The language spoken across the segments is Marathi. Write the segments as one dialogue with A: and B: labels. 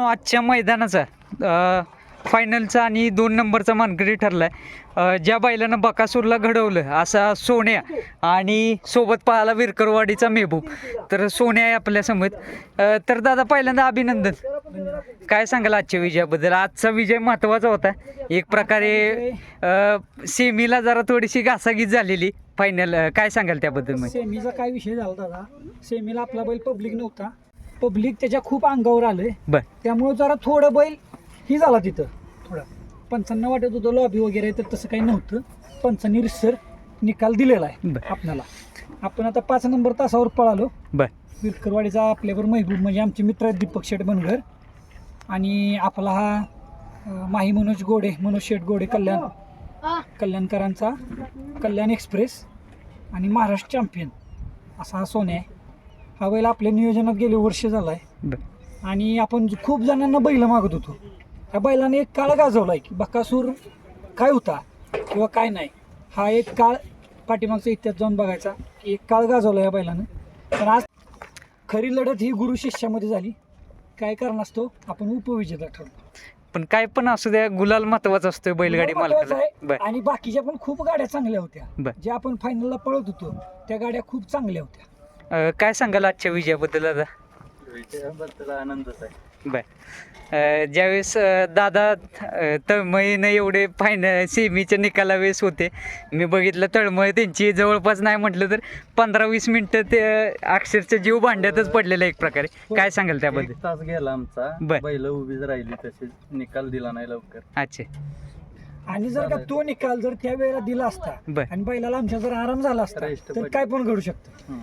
A: आजच्या मैदानाचा फायनलचा आणि 2 नंबरचा मानकरी ठरलाय. ज्या बैलानं बकासूरला घडवलं असा सोन्या आणि सोबत पाहाला विरकरवाडीचा मेहबूब, तर सोन्या आहे आपल्यासमोर. तर दादा पहिल्यांदा अभिनंदन. काय सांगाल आजच्या विजयाबद्दल? आजचा विजय महत्त्वाचा होता एक प्रकारे. सेमीला जरा थोडीशी घासाघीस झालेली, फायनल काय सांगाल त्याबद्दल? मग
B: सेमीचा काय विषय झाला दादा, सेमीला आपला बैल पब्लिक नव्हता, पब्लिक त्याच्या खूप अंगावर आलंय,
A: बर
B: त्यामुळे जरा थोडं बैल ही झाला तिथं. थोडं पंचांना वाटत होतं लॉबी वगैरे, तर तसं काही नव्हतं. पंचांनी रिसर निकाल दिलेला आहे आपल्याला. आपण आता 5 नंबर तासावर पळालो.
A: बर
B: विरकरवाडीचा आपल्यावर महबूब म्हणजे आमचे मित्र आहेत दीपक शेठ बनगर, आणि आपला हा माही मनोज शेठ गोडे कल्याणकरांचा कल्याण एक्सप्रेस आणि महाराष्ट्र चॅम्पियन असा हा सोन्या आहे. हा बैल आपल्या नियोजनात गेले वर्ष झाला आहे, आणि आपण खूप जणांना बैल मागत होतो. ह्या बैलाने एक काळ गाजवला आहे की बकासूर काय होता किंवा काय नाही. हा एक काळ पाठीमागचा इतिहास जाऊन बघायचा की एक काळ गाजवला या बैलानं. पण आज खरी लढत ही गुरु शिष्यामध्ये झाली. काय कारण असतो, आपण उपविजेता ठरलो.
A: पण काय पण असू द्या, गुलाल महत्वाचा असतोय बैलगाडी
B: महत्त्वाचं
A: मालकाला.
B: आहे. आणि बाकीच्या पण खूप गाड्या चांगल्या होत्या, ज्या आपण फायनलला पळत होतो त्या गाड्या खूप चांगल्या होत्या.
A: काय सांगाल आजच्या विजयाबद्दल दादा?
C: विजयाबद्दल आनंदच आहे.
A: बर ज्यावेळेस दादा तळमळीनं एवढे फायनल सेमीच्या निकालावेळेस होते, मी बघितलं तळमळ त्यांची जवळपास नाही म्हटलं तर 15-20 मिनिटं ते अक्षरशः जीव भांड्यातच पडलेलं एक प्रकारे. काय सांगाल त्याबद्दल?
C: 1 तास गेला आमचा, बैल उभीच राहिली, तसेच निकाल दिला नाही लवकर.
A: अच्छा.
B: आणि जर का तो निकाल जर त्या वेळेला दिला असता आणि बैलाला आमच्या जर आराम झाला असता तर काय पण घडू शकतं.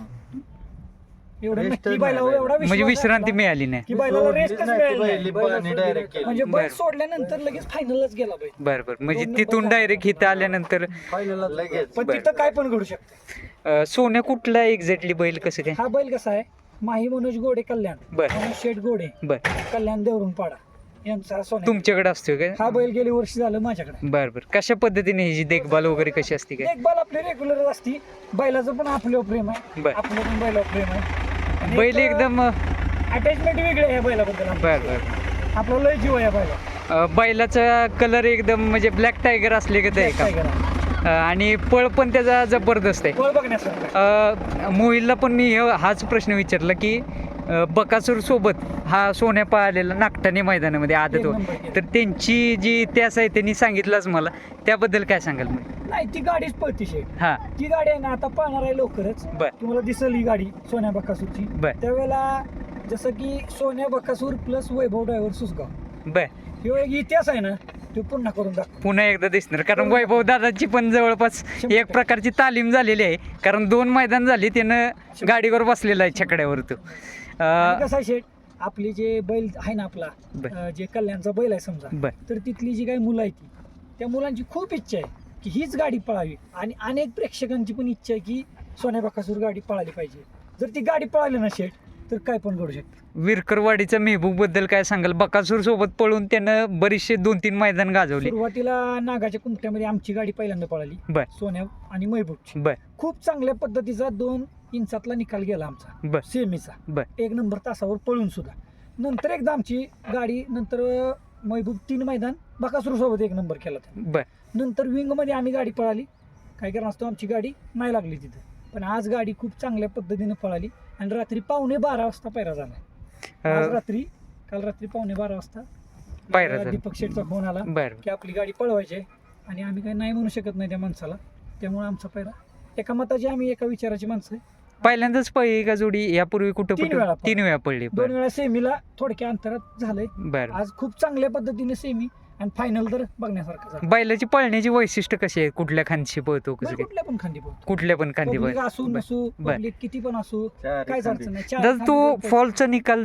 B: एवढं नक्की बैलावर एवढा
A: म्हणजे
B: विश्वास
A: विश्रांती
B: आहे
A: मिळाली नाही.
B: की बैलाला रेस्टच मिळाली नाही.
C: डायरेक्ट
B: म्हणजे बैल सोडल्यानंतर लगेच फायनलच गेला बैल.
A: बरं म्हणजे तिथून डायरेक्ट इथं आल्यानंतर
C: फायनल लगेच.
B: पण तिथं काय पण घडू शकतं.
A: सोन्या कुठला एक्झॅक्टली बैल कसं काय?
B: हा बैल कसा आहे, माही मनोज गोडे कल्याण,
A: बरं.
B: मनोज शेठ गोडे
A: बरं
B: कल्याण देवरून पाडा यांचा सोन्या.
A: तुमच्याकडे असतो काय?
B: हा बैल गेली वर्ष झालं माझ्याकडे.
A: बरं बरं. कशा पद्धतीने ह्याची देखभाल वगैरे कशी असते काय?
B: देखभाल आपली रेग्युलर असती. बैलाचं पण आपल्यावर प्रेम आहे,
A: बरं.
B: आपलं पण बैलावर प्रेम आहे. आणि
A: बैल
B: एक
A: एकदम
B: अटॅचमेंट वेगळी आहे या बैलाबद्दल.
A: बर बर.
B: आपला लय जीव आहे या बैला.
A: बैलाचा कलर एकदम म्हणजे ब्लॅक टायगर असले का ते का? आणि पळ पण त्याचा जबरदस्त आहे.
B: पळ बघण्यासारखं.
A: मोहिलला पण मी हाच प्रश्न विचारला की बकासूर सोबत हा सोन्या पाहिलेला नागठाणे मैदानामध्ये आदत होत, तर त्यांची जी इतिहास आहे त्यांनी सांगितलंच मला, त्याबद्दल काय सांगाल?
B: नाही ती गाडीच पळती शेठ.
A: हा
B: ती गाडी आहे ना आता पळणार आहे लवकरच.
A: बर
B: तुम्हाला दिसेल ही गाडी सोन्या बकासूरची.
A: बर
B: त्यावेळेला जसं की सोन्या बकासूर प्लस वैभव ड्रायव्हर सुसगाव,
A: बर
B: ह्यो एक इतिहास आहे ना, तो पुन्हा करून दाखव.
A: पुन्हा एकदा दिसणार. कारण वैभव दादाची पण जवळपास एक प्रकारची तालीम झालेली आहे, कारण 2 मैदान झाली त्यानं गाडीवर बसलेला आहे छकड्यावर तो.
B: आणि कसं आहे शेठ, आपली जे बैल आहे ना आपला जे कल्याणचा बैल आहे समजा, तर तिथली जी काही मुलं आहे त्या मुलांची खूप इच्छा आहे की हीच गाडी पळावी, आणि अनेक प्रेक्षकांची पण इच्छा आहे की सोन्या बकासूर गाडी पळाली पाहिजे. जर ती गाडी पळाली ना शेठ तर काय पण घडू शकतं.
A: विरकरवाडीचा मेहबूब बद्दल काय सांगाल? बकासूर सोबत पळून त्यानं बरीचसे 2-3 मैदान गाजवले.
B: सुरुवातीला नागाच्या कुंट्यामध्ये आमची गाडी पहिल्यांदा पळाली,
A: बर
B: सोन्या आणि महबूबची.
A: बर
B: खूप चांगल्या पद्धतीचा 2 इंचातला निकाल गेला आमचा
A: बर
B: सेमीचा.
A: बर
B: 1 नंबर तासावर पळून सुद्धा. नंतर एकदा आमची गाडी नंतर महबूब 3 मैदान बकासूर सोबत 1 नंबर केला होता.
A: बर
B: नंतर विंग मध्ये आम्ही गाडी पळाली. काय कारण असतो आमची गाडी नाही लागली तिथं, पण आज गाडी खूप चांगल्या पद्धतीने पळाली. आणि रात्री 11:15 वाजता पैरा झाला. आज रात्री काल रात्री 11:15 वाजता
A: पायरा झाला.
B: दीपक शेठचा फोन आला
A: बर
B: की आपली गाडी पळवायची आहे, आणि आम्ही काही नाही म्हणू शकत नाही त्या माणसाला. त्यामुळे आमचा पैरा एका मताची, आम्ही एका विचाराची माणसं आहे.
A: पहिल्यांदाच पळली का जोडी? यापूर्वी कुठं 3 वेळा पडली?
B: 2 वेळा सेमीला थोडक्या अंतरात झालंय.
A: बर.
B: आज खूप चांगल्या पद्धतीने सेमी आणि फायनल तर बघण्यासारखं झालं.
A: बैलाची पळण्याची वैशिष्ट्य कशी आहे? कुठल्या खांदी पळतो? कसं काय?
B: कुठल्या पण खांदी पळतो.
A: कुठल्या पण खांदी
B: Public
A: पळतो.
B: असू नसू, public किती पण असू, काहीच अडचण नाही. चार
A: जर तो
B: खांदी
A: फॉलचा निकाल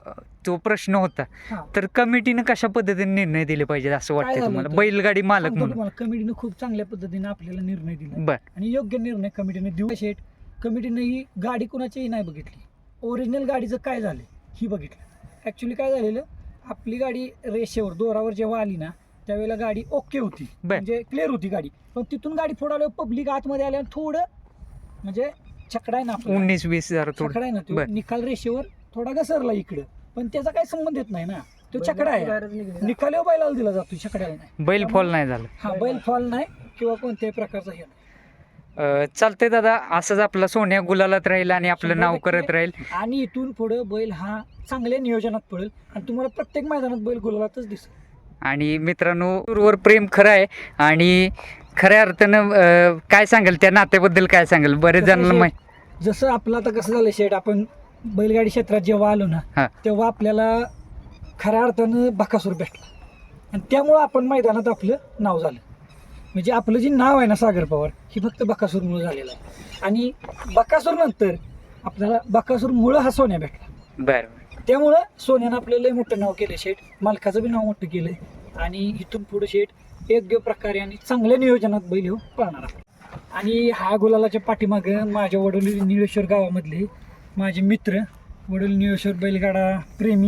A: जो प्रश्न होता,
B: हा.
A: तर कमिटीनं कशा पद्धतीने निर्णय दिले पाहिजे असं
B: काय
A: वाटतं
B: झालं
A: तुम्हाला
B: होतं?
A: बैलगाडी मालक
B: सांगतो
A: म्हणून?
B: तुम्हाला, कमिटीने खूप चांगल्या पद्धतीने आपल्याला निर्णय दिला,
A: बर
B: आणि योग्य निर्णय कमिटीने देऊ. शेट कमिटीने ही गाडी कुणाचीही नाही बघितली, ओरिजिनल गाडीचं काय झालं ही बघितलं. ऍक्च्युली काय झालेलं, आपली गाडी रेषेवर दोरावर जेव्हा आली ना त्यावेळेला गाडी ओके होती, म्हणजे क्लिअर होती गाडी. पण तिथून गाडी फोडाल्यावर पब्लिक आतमध्ये आल्यावर थोडं म्हणजे छकडा आहे ना,
A: 19-20
B: छकडा आहे ना, तो निकाल रेषेवर थोडा घसरला इकडं, पण त्याचा काही संबंध येत नाही ना. तो छकडा आहे, निकाली बैलाला दिला जातो, छकड्याला नाही.
A: बैल फॉल नाही झालं.
B: हा बैल फॉल नाही किंवा कोणत्याही प्रकारचा हे नाही.
A: चालतंय दादा, असंच आपला सोन्या गुलालात राहील आणि आपलं नाव
B: 100%
A: करत राहील.
B: आणि इथून पुढे बैल हा चांगल्या नियोजनात पडेल आणि तुम्हाला प्रत्येक मैदानात बैल गुलालातच दिसेल.
A: आणि मित्रांनो, वर प्रेम खरं आहे आणि खऱ्या अर्थानं काय सांगाल त्या नात्याबद्दल, काय सांगाल? बरेच जणांना माहिती.
B: जसं आपलं आता कसं झालं शेट, आपण बैलगाडी क्षेत्रात जेव्हा आलो ना
A: हा.
B: तेव्हा आपल्याला खऱ्या अर्थानं बकासूर भेटला आणि त्यामुळं आपण मैदानात आपलं नाव झालं. म्हणजे आपलं जे नाव आहे ना सागर पवार, हे फक्त बकासूरमुळं झालेलं आहे. आणि बकासूर नंतर आपल्याला बकासूरमुळं हा सोन्या भेटला.
A: बरं.
B: त्यामुळं सोन्यानं आपलं लय मोठं नाव केलं शेठ, मालकाचं बी नाव मोठं केलं आणि इथून पुढे शेठ योग्य प्रकारे आणि चांगल्या नियोजनात बैल हो पळणार आहे. आणि हा गुलालाच्या पाठीमागं माझ्या वडोली निळेश्वर गावामधले माझे मित्र, वडोली निळेश्वर बैलगाडा प्रेमी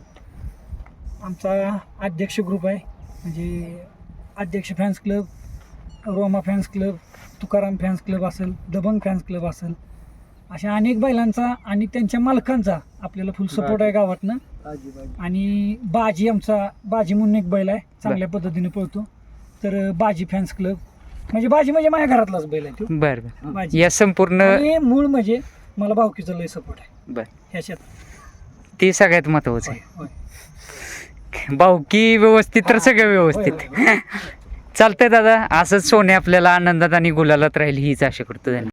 B: आमचा अध्यक्ष ग्रुप आहे. म्हणजे अध्यक्ष fans club, Roma fans club, Tukaram fans club असेल, दबंग फॅन्स क्लब असेल, अशा अनेक बैलांचा आणि त्यांच्या मालकांचा आपल्याला फुल सपोर्ट आहे गावातनं. आणि बाजी, आमचा बाजी म्हणून एक बैल आहे, चांगल्या पद्धतीने पळतो. तर बाजी फॅन्स क्लब म्हणजे बाजी म्हणजे माझ्या घरातलाच बैल आहे तो.
A: बरं.
B: बाजी.
A: या संपूर्ण
B: आणि मूळ म्हणजे मला भावकीचा लय सपोर्ट आहे
A: बरं,
B: ह्याच्यात.
A: ते सगळ्यात महत्वाचं आहे.
B: होय.
A: भावकी व्यवस्थित तर
B: हा.
A: सगळं
B: होय,
A: व्यवस्थित.
B: होय, होय.
A: चालतंय दादा, असंच सोने आपल्याला आनंदात आणि गुलालात राहील हीच आशा करतो. धन्यवाद.